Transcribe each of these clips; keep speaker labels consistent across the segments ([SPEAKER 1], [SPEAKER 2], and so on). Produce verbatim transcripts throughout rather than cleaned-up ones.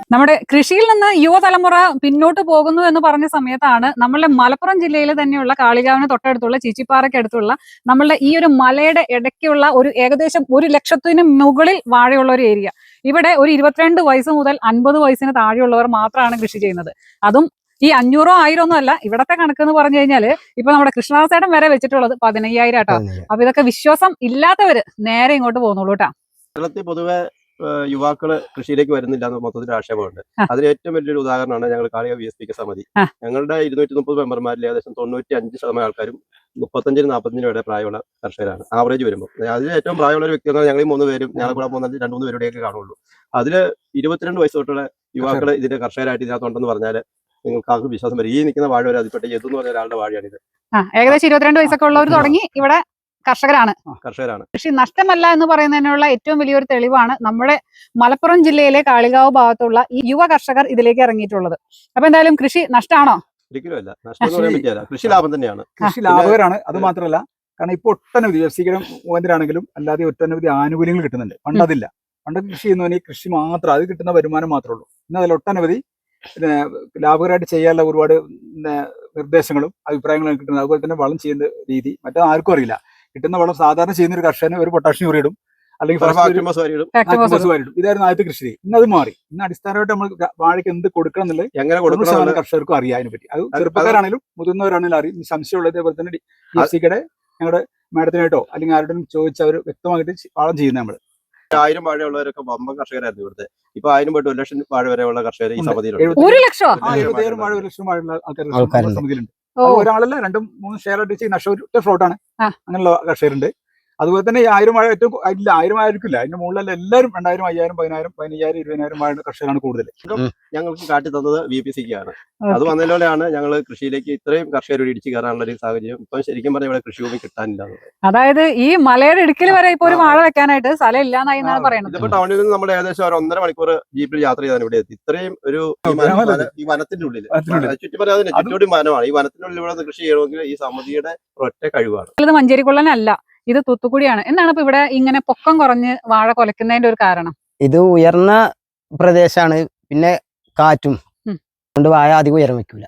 [SPEAKER 1] നമ്മുടെ കൃഷിയിൽ നിന്ന് യുവതലമുറ പിന്നോട്ട് പോകുന്നു എന്ന് പറഞ്ഞ സമയത്താണ് നമ്മളുടെ മലപ്പുറം ജില്ലയിൽ തന്നെയുള്ള കാളികാവിന് തൊട്ടടുത്തുള്ള ചീച്ചിപ്പാറയ്ക്ക് അടുത്തുള്ള നമ്മളുടെ ഈ ഒരു മലയുടെ ഇടയ്ക്കുള്ള ഒരു ഏകദേശം ഒരു ലക്ഷത്തിന് മുകളിൽ വാഴയുള്ള ഒരു ഏരിയ. ഇവിടെ ഒരു ഇരുപത്തിരണ്ട് വയസ്സ് മുതൽ അൻപത് വയസ്സിന് താഴെയുള്ളവർ മാത്രമാണ് കൃഷി ചെയ്യുന്നത്. അതും ഈ അഞ്ഞൂറോ ആയിരം ഒന്നും അല്ല, ഇവിടത്തെ കണക്ക് എന്ന് പറഞ്ഞു കഴിഞ്ഞാല് ഇപ്പൊ നമ്മുടെ കൃഷ്ണദാസേട്ടൻ വരെ വെച്ചിട്ടുള്ളത് പതിനയ്യായിരം ആട്ടോ. അപ്പൊ ഇതൊക്കെ വിശ്വാസം ഇല്ലാത്തവര് നേരെ ഇങ്ങോട്ട് പോകുന്നുള്ളൂ കേട്ടാ.
[SPEAKER 2] കേരളത്തിൽ പൊതുവെ യുവാക്കള് കൃഷിയിലേക്ക് വരുന്നില്ല എന്ന് മൊത്തത്തിൽ ആക്ഷേപമുണ്ട്. അതിന് ഏറ്റവും വലിയൊരു ഉദാഹരണമാണ് ഞങ്ങൾ കാളിക വി എസ് പി സമിതി. ഞങ്ങളുടെ ഇരുന്നൂറ്റി മുപ്പത് മെമ്പർമാരിൽ ഏകദേശം തൊണ്ണൂറ്റി അഞ്ച് ശതമാനം ആൾക്കാരും മുപ്പത്തഞ്ചിനും നാൽപ്പത്തഞ്ചിനും വരെ പ്രായമുള്ള കർഷകരാണ്. ആവറേജ് വരുമ്പോൾ അതിൽ ഏറ്റവും പ്രായമുള്ള ഒരു വ്യക്തി എന്നാൽ ഞങ്ങൾ ഈ മൂന്ന് പേരും ഞങ്ങൾ കൂടെ മൂന്നഞ്ച് രണ്ട് മൂന്ന് പേരുടെയൊക്കെ കാണുള്ളൂ. അതിൽ ഇരുപത്തിരണ്ട് വയസ്സ് തൊട്ടുള്ള യുവാക്കൾ ഇതിന്റെ കർഷകരായിട്ട് ഇതിനകത്തുണ്ടെന്ന് പറഞ്ഞാൽ നിങ്ങൾക്ക് ആർക്കും വിശ്വാസം വരും. ഈ നിൽക്കുന്ന വാഴ വരെ അതിൽപ്പെട്ട യദു എന്ന് പറഞ്ഞ ഒരാളുടെ വാഴയാണിത്.
[SPEAKER 1] ഏകദേശം ഇരുപത്തിരണ്ട് വയസ്സൊക്കെ ഉള്ളവർ തുടങ്ങി ഇവിടെ കർഷകരാണ്
[SPEAKER 2] കർഷകരാണ്
[SPEAKER 1] കൃഷി നഷ്ടമല്ല എന്ന് പറയുന്നതിനുള്ള ഏറ്റവും വലിയൊരു തെളിവാണ് നമ്മുടെ മലപ്പുറം ജില്ലയിലെ കാളികാവ് ഭാഗത്തുള്ള ഈ യുവ കർഷകർ ഇതിലേക്ക് ഇറങ്ങിയിട്ടുള്ളത്. അപ്പൊ എന്തായാലും കൃഷി നഷ്ടമാണോ?
[SPEAKER 2] ഒരിക്കലുമല്ല, നഷ്ടം എന്ന് പറയാൻ പറ്റില്ല. കൃഷി ലാഭം തന്നെയാണ്.
[SPEAKER 3] കൃഷി ലാഭകരമാണ്. അത് മാത്രമല്ല, കാരണം ഇപ്പൊ ഒട്ടനവധി വ്യവസായികളും മുഖേന്ദ്രാണെങ്കിലും അല്ലാതെ ഒട്ടനവധി ആനുകൂല്യങ്ങൾ കിട്ടുന്നുണ്ട്. പണ്ടതില്ല. പണ്ട് കൃഷി ചെയ്യുന്നവന് കൃഷി മാത്രം അത് കിട്ടുന്ന വരുമാനം മാത്രമേ ഉള്ളൂ. ഇന്ന് അതിൽ ഒട്ടനവധി പിന്നെ ലാഭകരമായിട്ട് ചെയ്യാനുള്ള ഒരുപാട് നിർദ്ദേശങ്ങളും അഭിപ്രായങ്ങളും കിട്ടുന്നത്. അതുപോലെ തന്നെ വളം ചെയ്യുന്ന രീതി മറ്റേ ആർക്കും അറിയില്ല. കിട്ടുന്ന വളം സാധാരണ ചെയ്യുന്ന ഒരു കർഷകന് ഒരു പൊട്ടാഷ്യം യൂറിയിടും, അല്ലെങ്കിൽ ഇതായിരുന്നു ആദ്യത്തെ കൃഷി. ഇന്ന് അത് മാറി. ഇന്ന് അടിസ്ഥാനമായിട്ട് നമ്മൾ വാഴയ്ക്ക് എന്ത് കൊടുക്കണം എന്നുള്ളത്
[SPEAKER 2] എങ്ങനെ കൊടുക്കണം
[SPEAKER 3] കർഷകർക്കും അറിയാം. അതിനെ പറ്റി അത് ചെറുപ്പക്കാരാണെങ്കിലും മുതിർന്നവരാണെങ്കിലും അറിയും. സംശയമുള്ളത് അതേപോലെ തന്നെ ഡി എഫ് സിക്കടെ ഞങ്ങളുടെ മാഡത്തിനായിട്ടോ അല്ലെങ്കിൽ ആരുടെയും ചോദിച്ച് അവർ വ്യക്തമായിട്ട് വളം ചെയ്യുന്നത്. നമ്മൾ
[SPEAKER 2] ആയിരം വാഴയുള്ളവരൊക്കെ വമ്പൻ കർഷകരായിരുന്നു ഇവിടുത്തെ. ഇപ്പൊ ആയിരം പോയിട്ട് ഒരു ലക്ഷം വാഴ വരെയുള്ള കർഷകർ ഈ സമിതിയിലുണ്ട്.
[SPEAKER 1] ഒരു ലക്ഷം
[SPEAKER 3] എഴുപത്തിയേഴ് വാഴ ഒരു ലക്ഷം വാഴയുള്ള ആൾക്കാർ സമിതിയിലുണ്ട്. ഒരാളല്ല, രണ്ടും മൂന്നും ഷെയർ ആയിട്ട് ചെയ്യുന്ന നഷ്ട ഫ്ലോട്ടാണ്. അങ്ങനെയുള്ള കർഷകരുണ്ട്. അതുപോലെ തന്നെ ഈ ആയിരം വാഴ ഏറ്റവും ഇല്ല, ആയിരം ആയിരിക്കില്ല. അതിന്റെ മുകളിലല്ല എല്ലാവരും രണ്ടായിരം അയ്യായിരം പതിനായിരം പതിനയ്യായിരം ഇരുപതിനായിരം വാഴ കർഷകരാണ് കൂടുതൽ.
[SPEAKER 2] ഞങ്ങൾക്ക് കാട്ടി തന്നത് വി പി സിക്കാണ്. അത് വന്നതിലൂടെയാണ് ഞങ്ങൾ കൃഷിയിലേക്ക് ഇത്രയും കർഷകർ ഇടിച്ചു കയറാനുള്ള ഒരു സാഹചര്യം. ഇപ്പൊ ശരിക്കും പറഞ്ഞാൽ ഇവിടെ കൃഷിഭൂമി കിട്ടാനില്ല.
[SPEAKER 1] അതായത് ഈ മലയുടെ ഇടുക്കിൽ വരെ ഇപ്പൊ ഒരു വാഴ വെക്കാനായിട്ട് സ്ഥലം ഇല്ലാന്നായി പറയുന്നത്.
[SPEAKER 2] ഇതിപ്പോ ടൗണിൽ നിന്ന് നമ്മൾ ഏകദേശം ഒരു ഒന്നര മണിക്കൂർ ജീപ്പിൽ യാത്ര ചെയ്താണ് ഇവിടെ എത്തി. ഇത്രയും ഒരു ഈ വനത്തിന്റെ ഉള്ളിൽ ചുറ്റി പറയാതെ ചുറ്റോടി വനമാണ്. ഈ വനത്തിനുള്ളിൽ ഇവിടെ കൃഷി ചെയ്യണമെങ്കിൽ ഈ സമിതിയുടെ ഒറ്റ കഴിവാണ്.
[SPEAKER 1] ഇത് മഞ്ചേരിക്കുള്ളനല്ല, ഇത് തൂത്തുക്കുടിയാണ്. എന്താണ് ഇപ്പൊ ഇവിടെ ഇങ്ങനെ പൊക്കം കുറഞ്ഞ് വാഴ കൊലക്കുന്നതിന്റെ ഒരു കാരണം?
[SPEAKER 4] ഇത് ഉയർന്ന പ്രദേശമാണ്, പിന്നെ കാറ്റും കൊണ്ട് വാഴ അധികം ഉയരം വെക്കൂല,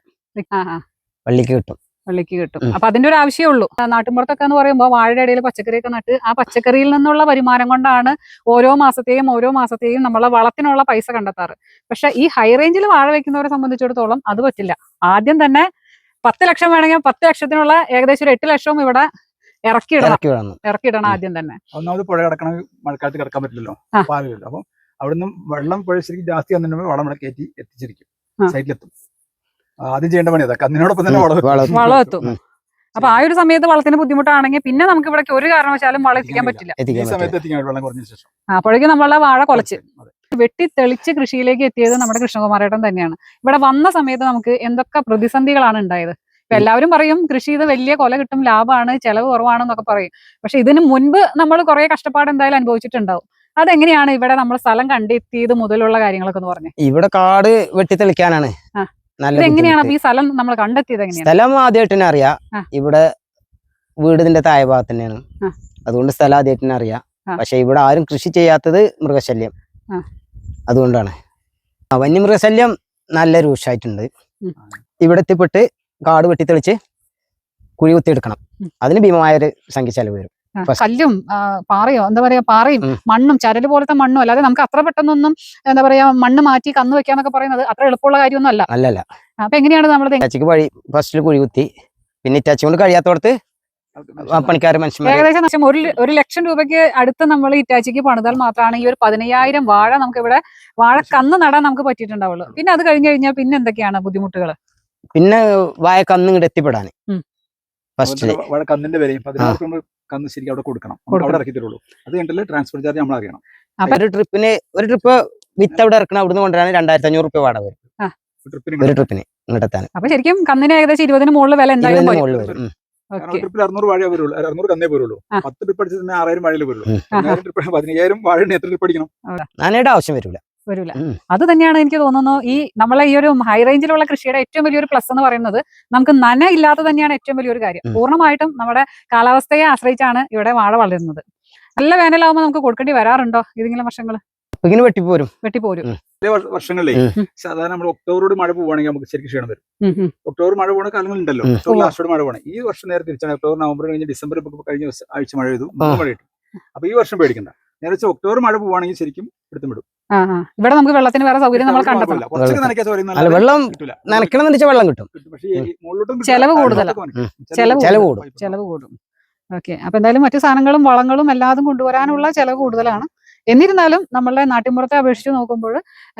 [SPEAKER 4] വള്ളിക്ക് കിട്ടും
[SPEAKER 1] വള്ളിക്ക് കിട്ടും അപ്പൊ അതിന്റെ ഒരു ആവശ്യമേ ഉള്ളൂ. നാട്ടിൻപുറത്തൊക്കെ എന്ന് പറയുമ്പോൾ വാഴയുടെ ഇടയിൽ പച്ചക്കറിയൊക്കെ നട്ട് ആ പച്ചക്കറിയിൽ നിന്നുള്ള വരുമാനം കൊണ്ടാണ് ഓരോ മാസത്തെയും ഓരോ മാസത്തെയും നമ്മളെ വളത്തിനുള്ള പൈസ കണ്ടെത്താറ്. പക്ഷെ ഈ ഹൈ റേഞ്ചിൽ വാഴ വെക്കുന്നവരെ സംബന്ധിച്ചിടത്തോളം അത് പറ്റില്ല. ആദ്യം തന്നെ പത്ത് ലക്ഷം വേണമെങ്കിൽ പത്ത് ലക്ഷത്തിനുള്ള ഏകദേശം ഒരു എട്ട് ലക്ഷവും ഇവിടെ ഇറക്കിയിടണം ഇറക്കിയിടണം ആദ്യം തന്നെ.
[SPEAKER 3] ഒന്നാമത് പുഴ കിടക്കണ മഴക്കാലത്ത് കിടക്കാൻ പറ്റില്ലല്ലോ, പാലില്ലല്ലോ. അപ്പം അവിടുന്ന് വെള്ളം പുഴ ശരിക്കും ജാസ്തി വന്നിട്ടുണ്ടെങ്കിൽ വളം ഇവിടെ കയറ്റി എത്തിച്ചിരിക്കും, സൈറ്റിലെത്തും. ആദ്യം ചെയ്യേണ്ട പണി അതൊക്കെ. അതിനോടൊപ്പം തന്നെ
[SPEAKER 1] വളം എത്തും. അപ്പൊ ആ ഒരു സമയത്ത് വളത്തിന് ബുദ്ധിമുട്ടാണെങ്കിൽ പിന്നെ നമുക്ക് ഇവിടെ ഒരു കാരണവശാലും വളം എത്തിക്കാൻ പറ്റില്ല.
[SPEAKER 3] ഈ സമയത്ത് എത്തിക്കാൻ വെള്ളം കുറഞ്ഞ ശേഷം
[SPEAKER 1] അപ്പോഴേക്കും നമ്മളെ വാഴ കൊലച്ച് വെട്ടി തെളിച്ച് കൃഷിയിലേക്ക് എത്തിയത് നമ്മുടെ കൃഷ്ണകുമാരേട്ടൻ തന്നെയാണ്. ഇവിടെ വന്ന സമയത്ത് നമുക്ക് എന്തൊക്കെ പ്രതിസന്ധികളാണ് ഉണ്ടായത്. ഇപ്പൊ എല്ലാവരും പറയും കൃഷി ചെയ്ത് വലിയ കൊല കിട്ടും, ലാഭമാണ്, ചെലവ് കുറവാണെന്നൊക്കെ പറയും. പക്ഷെ ഇതിന് മുൻപ് നമ്മൾ കുറെ കഷ്ടപ്പാട് എന്തായാലും അനുഭവിച്ചിട്ടുണ്ടാവും. അതെങ്ങനെയാണ് ഇവിടെ നമ്മൾ സ്ഥലം കണ്ടെത്തിയത് മുതലുള്ള കാര്യങ്ങളൊക്കെ ഒന്ന് പറഞ്ഞു.
[SPEAKER 4] ഇവിടെ കാട് വെട്ടി തെളിക്കാനാണ്.
[SPEAKER 1] എങ്ങനെയാണ് ഈ സ്ഥലം നമ്മൾ കണ്ടെത്തിയത്? എങ്ങനെയാണ്
[SPEAKER 4] സ്ഥലം ആദ്യമായിട്ട് തന്നെ അറിയാം. ഇവിടെ വീടിന്റെ താഴെ ഭാഗത്ത് തന്നെയാണ്, അതുകൊണ്ട് സ്ഥലം ആദ്യമായിട്ട് തന്നെ അറിയാം. പക്ഷെ ഇവിടെ ആരും കൃഷി ചെയ്യാത്തത് മൃഗശല്യം, അതുകൊണ്ടാണ്. വന്യമൃഗശല്യം നല്ല രൂക്ഷമായിട്ടുണ്ട്. ഇവിടെ എത്തിപ്പെട്ട് കാട് വെട്ടിത്തെളിച്ച് കുഴി കുത്തിയെടുക്കണം. അതിന് ഭീമമായ ഒരു സംഖ്യ ചെലവ് വരും.
[SPEAKER 1] കല്ലും പാറയോ എന്താ പറയാ പാറയും മണ്ണും ചരല് പോലത്തെ മണ്ണും അല്ലാതെ നമുക്ക് അത്ര പെട്ടെന്നൊന്നും എന്താ പറയാ മണ്ണ് മാറ്റി കന്ന് വെക്കാന്നൊക്കെ പറയുന്നത് അത്ര എളുപ്പമുള്ള കാര്യമൊന്നും അല്ല.
[SPEAKER 4] അല്ലല്ല.
[SPEAKER 1] അപ്പൊ എങ്ങനെയാണ് നമ്മൾ
[SPEAKER 4] ഇറ്റാച്ചിക്ക് വഴി ഫസ്റ്റിൽ കുഴി കുത്തി, പിന്നെ ഇറ്റാച്ചി കൊണ്ട് കഴിയാത്തോടത്ത് പണിക്കാർ മനുഷ്യന്മാർ
[SPEAKER 1] ഏകദേശം ഒരു ഒരു ലക്ഷം രൂപയ്ക്ക് അടുത്ത് നമ്മൾ ഇറ്റാച്ചിക്ക് പണിതാൽ മാത്രമാണ് ഈ ഒരു പതിനയ്യായിരം വാഴ നമുക്ക് ഇവിടെ വാഴ കന്ന് നടാൻ നമുക്ക് പറ്റിയിട്ടുണ്ടാവുള്ളൂ. പിന്നെ അത് കഴിഞ്ഞു കഴിഞ്ഞാൽ പിന്നെ എന്തൊക്കെയാണ് ബുദ്ധിമുട്ടുകൾ?
[SPEAKER 4] പിന്നെ വാഴ കന്ന് ഇങ്ങോട്ട് എത്തിപ്പെടാന് ഫസ്റ്റില്
[SPEAKER 3] കന്നിന്റെ വിലയും പതിനാറ് കന്ന് ശരിക്കും അവിടെ കൊടുക്കണം, അവിടെ ഇറക്കി തരുള്ളൂ. അത് കണ്ടല്ലേ ട്രാൻസ്പോർട്ട് ചാർജ് നമ്മൾ അറിയണം.
[SPEAKER 4] ഒരു ട്രിപ്പിന് ഒരു ട്രിപ്പ് വിത്ത് അവിടെ ഇറക്കണം, അവിടുന്ന് കൊണ്ടുവരാൻ രണ്ടായിരത്തി അഞ്ഞൂറ് രൂപ വാടക വരും ഒരു ട്രിപ്പിന് ഇങ്ങോട്ടെത്താൻ.
[SPEAKER 1] അപ്പൊ ശരിക്കും കന്നിന് ഏകദേശം ഇരുപതിന് മുകളിൽ വില എന്തായാലും
[SPEAKER 3] വരും. ട്രിപ്പിൽ അറുന്നൂറ് വാഴ വരുള്ളൂ, അറുന്നൂറ് കന്നേ പോരുള്ളൂ. പത്ത് ട്രിപ്പ് അടിച്ചത് തന്നെ ആറായിരം വാഴയിൽ വരുള്ളൂ. പതിനയ്യായിരം വാഴ എത്ര ട്രിപ്പ് അടിക്കണം?
[SPEAKER 4] നാനയുടെ ആവശ്യം വരില്ല
[SPEAKER 1] വരില്ല അത് തന്നെയാണ് എനിക്ക് തോന്നുന്നു ഈ നമ്മളെ ഈ ഒരു ഹൈ റേഞ്ചിലുള്ള കൃഷിയുടെ ഏറ്റവും വലിയൊരു പ്ലസ് എന്ന് പറയുന്നത്. നമുക്ക് നന ഇല്ലാതെ തന്നെയാണ് ഏറ്റവും വലിയൊരു കാര്യം. പൂർണ്ണമായിട്ടും നമ്മുടെ കാലാവസ്ഥയെ ആശ്രയിച്ചാണ് ഇവിടെ വാഴ വളരുന്നത്. നല്ല വേനലാവുമ്പോൾ നമുക്ക് കൊടുക്കേണ്ടി വരാറുണ്ടോ ഏതെങ്കിലും വർഷങ്ങൾ?
[SPEAKER 4] വെട്ടിപ്പോരും
[SPEAKER 1] വെട്ടിപ്പോരും
[SPEAKER 3] ചില വർഷ- വർഷങ്ങളിലേ സാധാരണ നമ്മൾ ഒക്ടോബറോട് മഴ പോവുകയാണെങ്കിൽ നമുക്ക് ശരിക്കും ക്ഷീണം വരും.
[SPEAKER 1] ഉം, ഉം.
[SPEAKER 3] ഒക്ടോബർ മഴ പോകുന്ന കാലങ്ങളുണ്ടല്ലോ,
[SPEAKER 4] ഉം.
[SPEAKER 3] ഒക്ടോബർ
[SPEAKER 1] ഓ.
[SPEAKER 3] ലാസ്റ്റോട് മഴ പോകണം. ഈ വർഷം നേരെ തിരിച്ചാണ്. ഒക്ടോബർ നവംബർ കഴിഞ്ഞ് ഡിസംബർ ഇപ്പൊ കഴിഞ്ഞ ദിവസം ആഴ്ച മഴ പെയ്തു, മൂന്ന് മഴ കിട്ടും. അപ്പൊ ഈ വർഷം പേടിക്കണ്ട. നേരെ വെച്ചാൽ ഒക്ടോബർ മഴ പോവുകയാണെങ്കിൽ ശരിക്കും എടുത്തും വിടും.
[SPEAKER 1] ആ ആ ഇവിടെ നമുക്ക് വെള്ളത്തിന് വേറെ സൗകര്യം നമ്മൾ കണ്ടെത്തണം.
[SPEAKER 3] കുറച്ചൊക്കെ നനയ്ക്കാത്ത
[SPEAKER 4] അല്ല വെള്ളം
[SPEAKER 3] കിട്ടില്ല.
[SPEAKER 4] നനയ്ക്കണം എന്ന് വെച്ചാൽ വെള്ളം കിട്ടും.
[SPEAKER 3] പക്ഷേ ഈ മുകളിലോട്ടും കിട്ടില്ല.
[SPEAKER 1] ചെലവ് കൂടുതലാ.
[SPEAKER 3] താഴോട്ടൊക്കെ നനയ്ക്കും.
[SPEAKER 1] ചെലവ്
[SPEAKER 4] ചെലവ്
[SPEAKER 1] കൂടും.
[SPEAKER 4] കൂടും.
[SPEAKER 1] ചെലവ് കൂടും. ഓക്കെ. അപ്പൊ എന്തായാലും മറ്റു സാധനങ്ങളും വളങ്ങളും എല്ലാതും കൊണ്ടുവരാനുള്ള ചെലവ് കൂടുതലാണ്. എന്നിരുന്നാലും നമ്മളുടെ നാട്ടിൻപുറത്തെ അപേക്ഷിച്ച് നോക്കുമ്പോൾ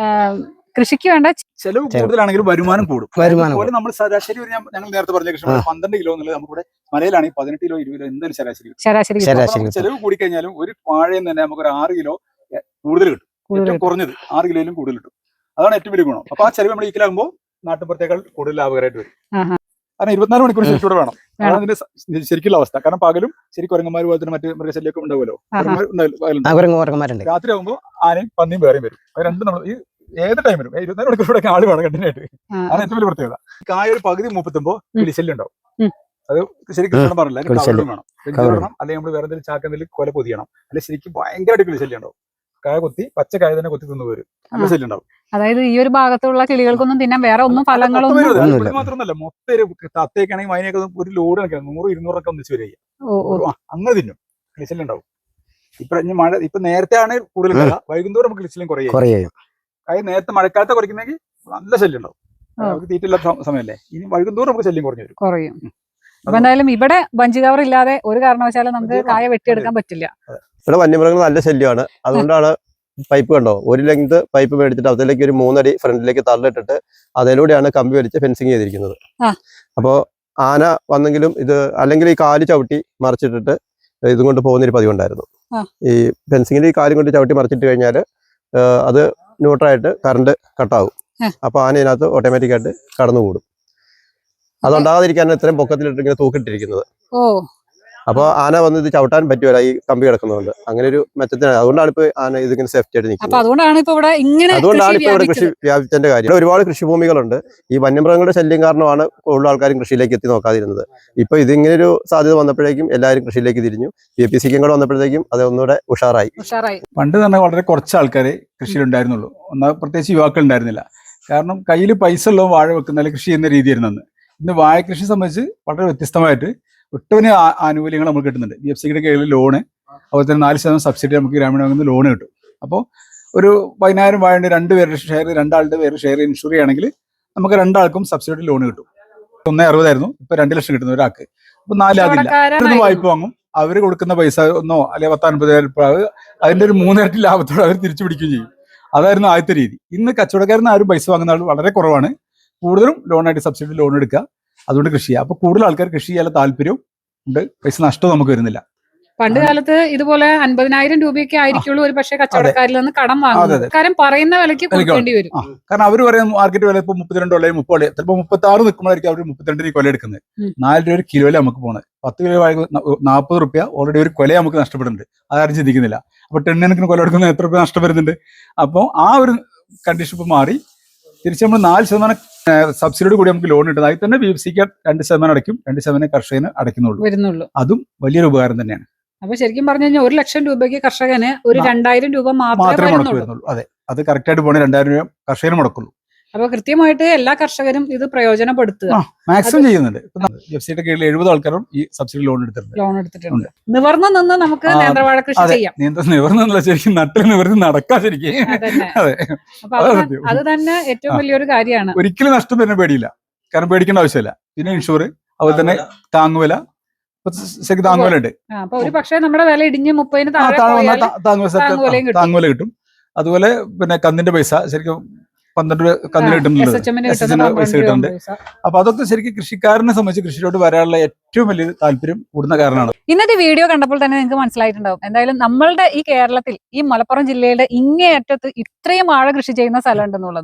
[SPEAKER 1] കൃഷിക്ക് വേണ്ട
[SPEAKER 3] ചെലവ് കൂടുതലാണെങ്കിലും വരുമാനം കൂടും.
[SPEAKER 4] വരുമാനം
[SPEAKER 3] അതുപോലെ നമ്മൾ ശരാശരി ഒരു ഞാൻ- ഞങ്ങൾ നേരത്തെ പറഞ്ഞ കൃഷി പന്ത്രണ്ട് കിലോ എന്നുള്ളത് നമുക്കിവിടെ മലയിലാണെങ്കിൽ പതിനെട്ട് കിലോ ഇരുപത് കിലോ എന്തായാലും ശരാശരി കിട്ടും.
[SPEAKER 1] ശരാശരി
[SPEAKER 4] ശരാശരി.
[SPEAKER 3] അപ്പൊ നമുക്ക് ചെലവ് കൂടിക്കഴിഞ്ഞാലും ഒരു വാഴയിൽ നിന്ന് തന്നെ നമുക്ക് ഒരു ആറ് കിലോ കൂടുതൽ കിട്ടും.
[SPEAKER 1] കൂടുതൽ
[SPEAKER 3] ഏറ്റവും കുറഞ്ഞത് ആറ് കിലോയിലും കൂടുതൽ കിട്ടും. അതാണ് ഏറ്റവും വലിയ ഗുണം. അപ്പൊ ആ ചെലവ് നമ്മൾ ഈക്കലാകുമ്പോൾ നാട്ടുപുറത്തേക്കാൾ കൂടുതൽ ലാഭകരമായിട്ട് വരും.
[SPEAKER 1] ആഹാ.
[SPEAKER 3] കാരണം ഇരുപത്തിനാല് മണിക്കൂർ ശരിക്കൂടെ വേണം.
[SPEAKER 1] വേണം.
[SPEAKER 3] അതാണ് അതിന്റെ സ- ശരിക്കുള്ള അവസ്ഥ. കാരണം പകലും ശരി കുരങ്ങന്മാർ പോലെ തന്നെ മറ്റ് മൃഗശല്യമൊക്കെ ഉണ്ടാവുമല്ലോ.
[SPEAKER 1] ആഹാ.
[SPEAKER 3] കുരങ്ങന്മാർ ഉണ്ടാവില്ല, പകലുണ്ടാവും.
[SPEAKER 4] ആ കുരങ്ങ് കുരങ്ങന്മാരുണ്ട്.
[SPEAKER 3] രാത്രി ആകുമ്പോൾ ആനയും പന്നിയും വേറെയും വരും. അത് രണ്ടും നമ്മൾ ഈ ഏത് ടൈം വരും. ഇരുപത്തിനാല് മണിക്കൂർ ഇവിടെ ആള് വേണം കണ്ടിന്യൂട്ട്.
[SPEAKER 1] ആ,
[SPEAKER 3] അതാണ് ഏറ്റവും വലിയ പ്രത്യേകത. കായ ഒരു പകുതി മൂപ്പത്തുമ്പോ കിളിശല്യം ഉണ്ടാവും.
[SPEAKER 1] ഉം.
[SPEAKER 3] അത് ശരിക്കും കൃഷ്ണൻ പറഞ്ഞില്ല. അതിന്
[SPEAKER 4] കിളിശല്യം.
[SPEAKER 3] കവറും വേണം. വെഞ്ചി ഇടണം, അല്ലെങ്കിൽ നമ്മൾ വേറെ എന്തെങ്കിലും ചാക്കെന്തെങ്കിലും കൊല പൊതിയണം. അല്ലെങ്കിൽ ശരിക്കും ഭയങ്കരമായിട്ട് കിളിശല്യം ഉണ്ടാവും. കായ കൊത്തി പച്ച കായ തന്നെ കൊത്തി തിന്നു വരും. നല്ല ശല്യം ഉണ്ടാവും.
[SPEAKER 1] അതായത് ഈ ഒരു ഭാഗത്തുള്ള കിളികൾക്കൊന്നും തിന്നാൻ വേറെ ഒന്നും ഫലങ്ങളൊന്നും
[SPEAKER 3] മൊത്തം
[SPEAKER 4] ഒന്നുമില്ല.
[SPEAKER 3] വരുന്നത്. ഇത് മാത്രമല്ല, മൊത്തം ഒരു തത്തയൊക്കെയാണെങ്കിൽ അതിനൊക്കെ ഒരു ലോഡ് കണക്കാണ്. നൂറ് ഇരുന്നൂറൊക്കെ ഒന്നിച്ച് വരിക.
[SPEAKER 1] ഓ ഓ
[SPEAKER 3] ആ, അങ്ങനെ തിന്നും. കിളിശല്യം ഉണ്ടാവും. ഇപ്പൊ ഇനി മഴ ഇപ്പൊ നേരത്തെ ആണ് കൂടുതൽ ഉണ്ടാവുക. വൈകുന്നേരം നമുക്ക് കിളിശല്യം കുറയും.
[SPEAKER 4] കുറേ
[SPEAKER 3] കാര്യം നേരത്തെ മഴക്കാലത്തെ കുറയ്ക്കുന്നെങ്കിൽ നല്ല ശല്യം ഉണ്ടാവും.
[SPEAKER 1] ആ.
[SPEAKER 3] നമുക്ക് തീറ്റില്ലാത്ത സമ- സമയമല്ലേ. ഇനി വൈകുന്നേരം നമുക്ക് ശല്യം കുറഞ്ഞു വരും.
[SPEAKER 1] കുറയും. അപ്പൊ എന്തായാലും ഇവിടെ ബഞ്ച് കവർ ഇല്ലാതെ ഒരു കാരണവശാലും നമുക്ക്
[SPEAKER 3] ബഞ്ച് കവർ
[SPEAKER 1] കായ വെട്ടിയെടുക്കാൻ പറ്റില്ല.
[SPEAKER 2] ഇവിടെ വന്യമൃഗങ്ങൾ നല്ല ശല്യമാണ്. അതുകൊണ്ടാണ് പൈപ്പ് കണ്ടോ, ഒരു ലെങ്ത് പൈപ്പ് മേടിച്ചിട്ട് അതിലേക്ക് ഒരു മൂന്നടി ഫ്രണ്ടിലേക്ക് തള്ളിട്ടിട്ട് അതിലൂടെയാണ് കമ്പി വലിച്ച് ഫെൻസിങ് ചെയ്തിരിക്കുന്നത്.
[SPEAKER 1] ആ.
[SPEAKER 2] അപ്പോൾ ആന വന്നെങ്കിലും ഇത് അല്ലെങ്കിൽ ഈ കാല് ചവിട്ടി മറിച്ചിട്ടിട്ട് ഇതും കൊണ്ട് പോകുന്നൊരു പതിവുണ്ടായിരുന്നു.
[SPEAKER 1] ആ.
[SPEAKER 2] ഈ ഫെൻസിങ്ങിൽ ഈ കാലും കൊണ്ട് ചവിട്ടി മറിച്ചിട്ട് കഴിഞ്ഞാൽ അത് ന്യൂട്രായിട്ട് കറണ്ട് കട്ടാവും.
[SPEAKER 1] ആ.
[SPEAKER 2] അപ്പോൾ ആന ഇതിനകത്ത് ഓട്ടോമാറ്റിക്കായിട്ട് കടന്നുകൂടും. അതുണ്ടാകാതിരിക്കാനാണ് ഇത്രയും പൊക്കത്തിലിട്ട് ഇങ്ങനെ തൂക്കിട്ടിരിക്കുന്നത്.
[SPEAKER 1] ഓ
[SPEAKER 2] അപ്പോൾ ആന വന്ന് ഇത് ചവിട്ടാൻ പറ്റുമല്ല ഈ കമ്പി കിടക്കുന്നതുകൊണ്ട്. അങ്ങനെ ഒരു മെച്ചത്തിനാണ്. അതുകൊണ്ടാണ് ഇപ്പൊ ആന ഇതിങ്ങനെ സേഫ്റ്റി ആയിട്ട്
[SPEAKER 1] അപ്പൊ
[SPEAKER 2] നിൽക്കുന്നത്.
[SPEAKER 1] അതുകൊണ്ടാണ് ഇപ്പൊ ഇവിടെ ഇങ്ങനെ
[SPEAKER 2] അതുകൊണ്ടാണ്
[SPEAKER 1] കൃഷി
[SPEAKER 2] ഇപ്പൊ ഇവിടെ കൃഷി
[SPEAKER 1] വ്യാപിച്ചത്.
[SPEAKER 2] വ്യാപിച്ചതിന്റെ കാര്യം. ഇവിടെ ഒരുപാട് കൃഷിഭൂമികളുണ്ട്. ഈ വന്യമൃഗങ്ങളുടെ ശല്യം കാരണമാണ് കൂടുതൽ ആൾക്കാരും കൃഷിയിലേക്ക് എത്തി നോക്കാതിരുന്നത്. ഇപ്പൊ ഇതിങ്ങനെ ഒരു സാധ്യത വന്നപ്പോഴേക്കും എല്ലാവരും കൃഷിയിലേക്ക് തിരിഞ്ഞു. പി എ പി സിക്കും കൂടെ വന്നപ്പോഴത്തേക്കും അത് ഒന്നുകൂടെ ഉഷാറായി.
[SPEAKER 1] ഉഷാറായി.
[SPEAKER 3] പണ്ട് തന്നെ വളരെ കുറച്ച് ആൾക്കാരെ കൃഷിയിലുണ്ടായിരുന്നുള്ളൂ. ഒന്നാ പ്രത്യേകിച്ച് യുവാക്കൾ ഉണ്ടായിരുന്നില്ല. കാരണം കയ്യിൽ പൈസ ഉള്ള വാഴ വെക്കുന്ന കൃഷി ചെയ്യുന്ന രീതിയായിരുന്നു അന്ന്. ഇന്ന് വാഴ കൃഷി സംബന്ധിച്ച് വളരെ വ്യത്യസ്തമായിട്ട് ഒട്ടനവധി ആ- ആനുകൂല്യങ്ങൾ നമുക്ക് കിട്ടുന്നുണ്ട്. ബി എഫ് സിയുടെ കീഴിൽ ലോണ്, അതുപോലെ തന്നെ നാല് ശതമാനം സബ്സിഡി നമുക്ക് ഗ്രാമീണ ബാങ്കിൽ നിന്ന് ലോണ് കിട്ടും. അപ്പോൾ ഒരു പതിനായിരം വാഴയുടെ രണ്ട് പേരുടെ ഷെയർ, രണ്ടാളുടെ പേര് ഷെയർ ഇൻഷുർ ചെയ്യുകയാണെങ്കിൽ നമുക്ക് രണ്ടാൾക്കും സബ്സിഡി ലോണ് കിട്ടും. ഒന്നേ അറുപതായിരുന്നു, ഇപ്പൊ രണ്ട് ലക്ഷം കിട്ടുന്ന ഒരാൾക്ക്. അപ്പൊ നാലാകില്ല.
[SPEAKER 1] കച്ചവടക്കാരനായിരുന്നു.
[SPEAKER 3] വായ്പ വാങ്ങും, അവർ കൊടുക്കുന്ന പൈസ ഒന്നോ അല്ലെങ്കിൽ പത്തൻപതിനായിരം രൂപ അതിന്റെ ഒരു മൂന്നിരട്ടി ലാഭത്തോടെ അവർ തിരിച്ചു പിടിക്കുകയും ചെയ്യും. അതായിരുന്നു ആദ്യത്തെ രീതി. ഇന്ന് കച്ചവടക്കാരന് ആരും പൈസ വാങ്ങുന്ന ആൾ വളരെ കുറവാണ്. കൂടുതലും ലോണായിട്ട് സബ്സിഡി ലോൺ എടുക്കുക, അതുകൊണ്ട് കൃഷി ചെയ്യുക. അപ്പൊ കൂടുതൽ ആൾക്കാർ കൃഷി ചെയ്യാനുള്ള താല്പര്യവും ഉണ്ട്. പൈസ നഷ്ടവും നമുക്ക് വരുന്നില്ല.
[SPEAKER 1] പണ്ട് കാലത്ത് ഇതുപോലെ അൻപതിനായിരം രൂപയൊക്കെ ആയിരിക്കുള്ളൂ ഒരു പക്ഷേ കച്ചവടക്കാരിൽ നിന്ന് കടം
[SPEAKER 3] അതെ,
[SPEAKER 1] വാങ്ങുന്നത്.
[SPEAKER 3] അതെ.
[SPEAKER 1] കാരണം പറയുന്ന വിലയ്ക്ക് കൊടുക്കേണ്ടി വരും.
[SPEAKER 3] ആ, കാരണം അവർ പറയുന്ന മാർക്കറ്റ് വില ഇപ്പൊ മുപ്പത്തിരണ്ട് അല്ലെങ്കിൽ മുപ്പത്, ചിലപ്പോൾ മുപ്പത്തി ആറ് നിൽക്കുമ്പോഴായിരിക്കും അവർ മുപ്പത്തിരണ്ട് രൂപ കൊല എടുക്കുന്നത്.
[SPEAKER 1] ഉം.
[SPEAKER 3] നാല് രൂപ ഒരു കിലോയില് നമുക്ക് പോണത്. പത്ത് കിലോ നാൽപ്പത് റുപ്യ ഓൾറെഡി ഒരു കൊല നമുക്ക് നഷ്ടപ്പെടുന്നുണ്ട്. അതാരും ചിന്തിക്കുന്നില്ല. അപ്പൊ ടെണ്ണിനൊക്കെ കൊല എടുക്കുന്ന എത്ര രൂപ നഷ്ടം വരുന്നുണ്ട്. അപ്പോൾ ആ ഒരു കണ്ടീഷൻ ഇപ്പൊ മാറി തിരിച്ച് നമ്മൾ നാല് ശതമാനം സബ്സിഡിയോട് കൂടി നമുക്ക് ലോൺ കിട്ടുന്നത്. അതിൽ തന്നെ ബി എഫ് സിക്ക് രണ്ട് ശതമാനം അടയ്ക്കും, രണ്ട് ശതമാനം കർഷകന് അടയ്ക്കുന്നുള്ളൂ.
[SPEAKER 1] വരുന്നുള്ളൂ.
[SPEAKER 3] അതും വലിയൊരു ഉപകാരം തന്നെയാണ്.
[SPEAKER 1] അപ്പൊ ശരിക്കും പറഞ്ഞു കഴിഞ്ഞാൽ ഒരു ലക്ഷം രൂപയ്ക്ക് കർഷകന് ഒരു
[SPEAKER 3] ആ.
[SPEAKER 1] രണ്ടായിരം രൂപ മാത്രമേ
[SPEAKER 3] മാത്രമേ മുടക്ക്
[SPEAKER 1] വരുന്നുള്ളൂ.
[SPEAKER 3] വരുന്നുള്ളൂ. അതെ, അത് കറക്റ്റ് ആയിട്ട് പോകണേ രണ്ടായിരം രൂപ കർഷകന് മുടക്കുള്ളൂ.
[SPEAKER 1] അപ്പൊ കൃത്യമായിട്ട് എല്ലാ കർഷകരും ഇത് പ്രയോജനപ്പെടുത്തുക.
[SPEAKER 3] ആ, മാക്സിമം ചെയ്യുന്നുണ്ട്. എഫ് സിയുടെ കീഴിൽ എഴുപത് ആൾക്കാരും ഈ സബ്സിഡി ലോൺ എടുത്തിട്ടുണ്ട്.
[SPEAKER 1] ലോൺ എടുത്തിട്ടുണ്ട്. നിവർന്നു നിന്ന് നമുക്ക്
[SPEAKER 3] ആ,
[SPEAKER 1] നേന്ത്രവാഴ കൃഷി
[SPEAKER 3] അതെ.
[SPEAKER 1] ചെയ്യാം.
[SPEAKER 3] നിയന്ത്രണം നിവർന്നല്ല, ശരിക്കും നട്ടിൽ നിവർന്ന് നടക്കാൻ ശരിക്കും.
[SPEAKER 1] അതന്നെ.
[SPEAKER 3] അതെ,
[SPEAKER 1] അപ്പൊ
[SPEAKER 3] അതാണ്
[SPEAKER 1] അത്
[SPEAKER 3] സത്യം.
[SPEAKER 1] അത് തന്നെ ഏറ്റവും
[SPEAKER 3] ആ.
[SPEAKER 1] വലിയൊരു കാര്യമാണ്.
[SPEAKER 3] ഒരിക്കലും നഷ്ടം തന്നെ പേടിയില്ല. കാരണം പേടിക്കേണ്ട ആവശ്യമില്ല. പിന്നെ ഇൻഷുർ, അതുപോലെ തന്നെ താങ്ങുവില, ഇപ്പൊ ശരിക്കും താങ്ങുവില ഉണ്ട്.
[SPEAKER 1] ആ, അപ്പൊ ഒരു പക്ഷേ നമ്മുടെ വില ഇടിഞ്ഞ് മുപ്പതിന്
[SPEAKER 3] ആ,
[SPEAKER 1] താഴെ
[SPEAKER 3] താങ്ങുവില
[SPEAKER 1] പോയാൽ
[SPEAKER 3] താങ്ങുവില
[SPEAKER 1] താങ്ങുവിലയും കിട്ടും.
[SPEAKER 3] താങ്ങുവില കിട്ടും. അതുപോലെ പിന്നെ കന്നിന്റെ പൈസ ശരിക്കും പന്ത്രണ്ട് രൂപ കന്നിന്
[SPEAKER 1] എസ്
[SPEAKER 3] കിട്ടുന്നുണ്ട്.
[SPEAKER 1] എച്ച് എമ്മിന്
[SPEAKER 3] എസ് എച്ച്
[SPEAKER 1] കിട്ടുന്ന
[SPEAKER 3] എമ്മിന് പൈസ
[SPEAKER 1] പന്ത്രണ്ട് രൂപ
[SPEAKER 3] കിട്ടുന്നുണ്ട്.
[SPEAKER 1] പൈസ.
[SPEAKER 3] അപ്പൊ അതൊക്കെ ശരിക്കും കൃഷിക്കാരനെ സംബന്ധിച്ച് കൃഷിയിലോട്ട് വരാനുള്ള ഏറ്റവും വലിയ താല്പര്യം കൂടുന്ന കാരണമാണ്.
[SPEAKER 1] ഇന്നത്തെ വീഡിയോ കണ്ടപ്പോൾ തന്നെ നിങ്ങൾക്ക് മനസ്സിലായിട്ടുണ്ടാവും എന്തായാലും നമ്മളുടെ ഈ കേരളത്തിൽ ഈ മലപ്പുറം ജില്ലയുടെ ഇങ്ങേയറ്റത്ത് ഇത്രയും വാഴ കൃഷി ചെയ്യുന്ന സ്ഥലം ഉണ്ടെന്നുള്ളത്.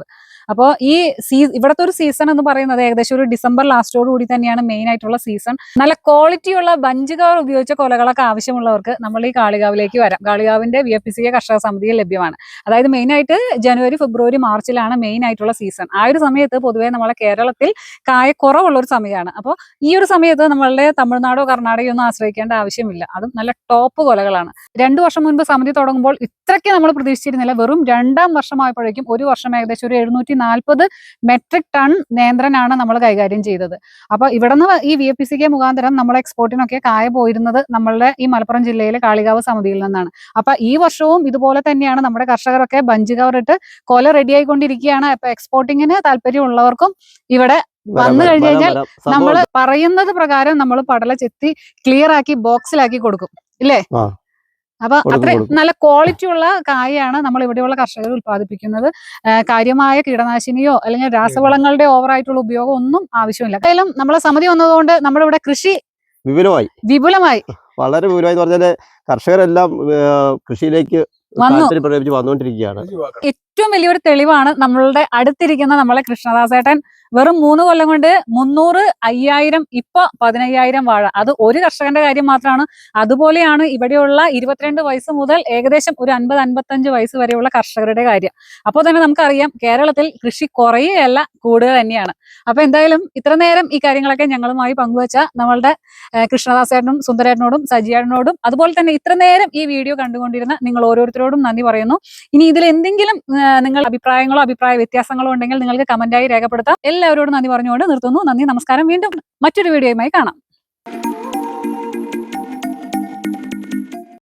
[SPEAKER 1] അപ്പോൾ ഈ സീ ഇവിടുത്തെ ഒരു സീസൺ എന്ന് പറയുന്നത് ഏകദേശം ഒരു ഡിസംബർ ലാസ്റ്റോട് കൂടി തന്നെയാണ് മെയിൻ ആയിട്ടുള്ള സീസൺ. നല്ല ക്വാളിറ്റിയുള്ള ബഞ്ച് കവർ ഉപയോഗിച്ച കൊലകളൊക്കെ ആവശ്യമുള്ളവർക്ക് നമ്മൾ ഈ കാളികാവിലേക്ക് വരാം. കാളികാവിന്റെ V F P C A കർഷക സമിതിയിൽ ലഭ്യമാണ്. അതായത് മെയിൻ ആയിട്ട് ജനുവരി ഫെബ്രുവരി മാർച്ചിലാണ് മെയിൻ ആയിട്ടുള്ള സീസൺ. ആ ഒരു സമയത്ത് പൊതുവേ നമ്മളെ കേരളത്തിൽ കായ കുറവുള്ള ഒരു സമയമാണ്. അപ്പോൾ ഈ ഒരു സമയത്ത് നമ്മളുടെ തമിഴ്നാടോ കർണാടകയോ ഒന്നും ആശ്രയിക്കേണ്ട ആവശ്യമില്ല. അതും നല്ല ടോപ്പ് കൊലകളാണ്. രണ്ടു വർഷം മുൻപ് സമിതി തുടങ്ങുമ്പോൾ ഇത്രയ്ക്ക് നമ്മൾ പ്രതീക്ഷിച്ചിരുന്നില്ല. വെറും രണ്ടാം വർഷമായപ്പോഴേക്കും ഒരു വർഷം ഏകദേശം ഒരു എഴുന്നൂറ്റി നാൽപ്പത് മെട്രിക് ടൺ നേന്ത്രനാണ് നമ്മൾ കൈകാര്യം ചെയ്തത്. അപ്പൊ ഇവിടെ നിന്ന് ഈ V F P C K മുഖാന്തരം നമ്മൾ എക്സ്പോർട്ടിനൊക്കെ കായ പോയിരുന്നത് നമ്മളുടെ ഈ മലപ്പുറം ജില്ലയിലെ കാളികാവ് സമിതിയിൽ നിന്നാണ്. അപ്പൊ ഈ വർഷവും ഇതുപോലെ തന്നെയാണ് നമ്മുടെ കർഷകരൊക്കെ ബഞ്ച് കവറിട്ട് കൊല റെഡി ആയിക്കൊണ്ടിരിക്കുകയാണ്. അപ്പൊ എക്സ്പോർട്ടിങ്ങിന് താല്പര്യമുള്ളവർക്കും ഇവിടെ വന്നു കഴിഞ്ഞു കഴിഞ്ഞാൽ നമ്മൾ പറയുന്നത് പ്രകാരം നമ്മൾ പടല ചെത്തി ക്ലിയർ ആക്കി ബോക്സിലാക്കി കൊടുക്കും ഇല്ലേ? അപ്പൊ അത്രയും നല്ല ക്വാളിറ്റി ഉള്ള കായാണ് നമ്മൾ ഇവിടെയുള്ള കർഷകർ ഉത്പാദിപ്പിക്കുന്നത്. കാര്യമായ കീടനാശിനിയോ അല്ലെങ്കിൽ രാസവളങ്ങളുടെ ഓവറായിട്ടുള്ള ഉപയോഗം ഒന്നും ആവശ്യമില്ല. എന്തായാലും നമ്മളെ സമിതി വന്നതുകൊണ്ട് നമ്മുടെ ഇവിടെ കൃഷി
[SPEAKER 2] വിപുലമായി
[SPEAKER 1] വിപുലമായി
[SPEAKER 2] വളരെ വിപുലമായി പറഞ്ഞാല് കർഷകരെല്ലാം കൃഷിയിലേക്ക് വന്നുകൊണ്ടിരിക്കുകയാണ്.
[SPEAKER 1] ഏറ്റവും വലിയൊരു തെളിവാണ് നമ്മളുടെ അടുത്തിരിക്കുന്ന നമ്മളെ കൃഷ്ണദാസേട്ടൻ വെറും മൂന്ന് കൊല്ലം കൊണ്ട് മുന്നൂറ് അയ്യായിരം ഇപ്പൊ പതിനയ്യായിരം വാഴ. അത് ഒരു കർഷകന്റെ കാര്യം മാത്രമാണ്. അതുപോലെയാണ് ഇവിടെയുള്ള ഇരുപത്തിരണ്ട് വയസ്സ് മുതൽ ഏകദേശം ഒരു അൻപത് അൻപത്തഞ്ച് വയസ്സ് വരെയുള്ള കർഷകരുടെ കാര്യം. അപ്പോൾ തന്നെ നമുക്കറിയാം കേരളത്തിൽ കൃഷി കുറയുകയല്ല കൂടുക തന്നെയാണ്. അപ്പൊ എന്തായാലും ഇത്ര നേരം ഈ കാര്യങ്ങളൊക്കെ ഞങ്ങളുമായി പങ്കുവച്ച നമ്മളുടെ കൃഷ്ണദാസേട്ടനും സുന്ദരേട്ടനോടും സജിയേട്ടനോടും അതുപോലെ തന്നെ ഇത്ര നേരം ഈ വീഡിയോ കണ്ടുകൊണ്ടിരുന്ന നിങ്ങൾ ഓരോരുത്തരോടും നന്ദി പറയുന്നു. ഇനി ഇതിൽ എന്തെങ്കിലും നിങ്ങൾ അഭിപ്രായങ്ങളോ അഭിപ്രായ വ്യത്യാസങ്ങളോ ഉണ്ടെങ്കിൽ നിങ്ങൾക്ക് കമന്റായി രേഖപ്പെടുത്താം. എല്ലാവരോടും നന്ദി പറഞ്ഞുകൊണ്ട് നിർത്തുന്നു. നന്ദി, നമസ്കാരം. വീണ്ടും മറ്റൊരു വീഡിയോയുമായി കാണാം.